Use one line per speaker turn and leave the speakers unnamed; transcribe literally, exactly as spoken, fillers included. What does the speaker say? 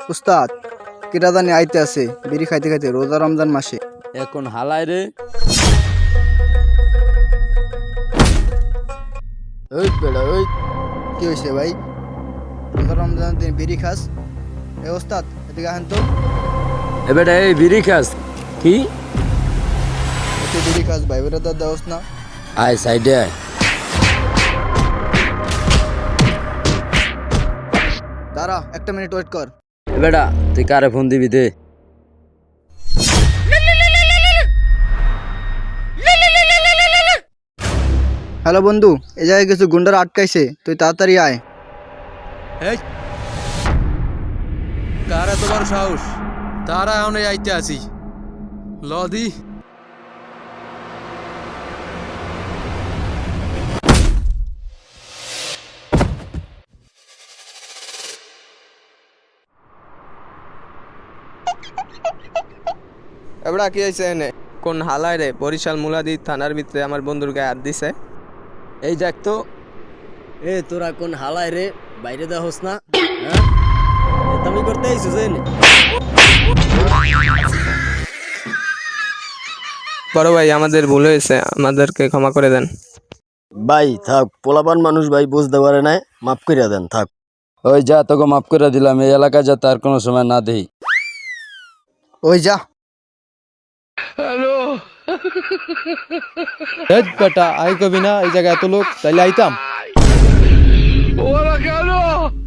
উস্তাদ কেটা জানি আইতে আছে বিড়ি খাইতে খাইতে রোজা রমজান মাসে।
এখন হালাই রে। ওই বেড়া ওই
কি হয়েছে ভাই? রোজা রমজান দিন বিড়ি খাস? এ ওস্তাদ এদিকে আহেন তো।
এ বেটা এই বিড়ি খাস কি?
তুই বিড়ি খাস ভাই বেটা দার দেওস না।
আয় সাইডে আয়।
দাঁড়া একটা মিনিট ওয়েট কর।
এ বেটা তুই কারে ফোন দিবি দে।
হ্যালো বন্ধু, এ জায়গায় কিছু গুন্ডারা আটকাইছে, তুই তাড়াতাড়ি আয়।
এই কারা তোমার সাহস? তারা এখন আইতে আছি লদি।
এবড়া কি হয়েছে এনে? কোন হালায় রে? বরিশাল মুলাদি থানার ভিতরে আমার বন্ধুর গায়ে হাত দিছে।
এই দেখ তো। এ তোরা কোন হালাই রে? বাইরে দা হোস না? হ্যাঁ তুমি করতে আইছিস এনে?
বড় ভাই আমাদের ভুল হয়েছে, আমাদেরকে ক্ষমা করে দেন।
ভাই থাক, পোলাপান মানুষ ভাই বুঝতে পারে না, মাফ করিয়া দেন থাক।
ওই যা তোকে মাফ করে দিলাম, এই এলাকায় যা তার কোনো সময় না দেই।
ওই যা।
এই বেটা আই কবি না এই জায়গায় এত লোক, তাইলে আইতাম।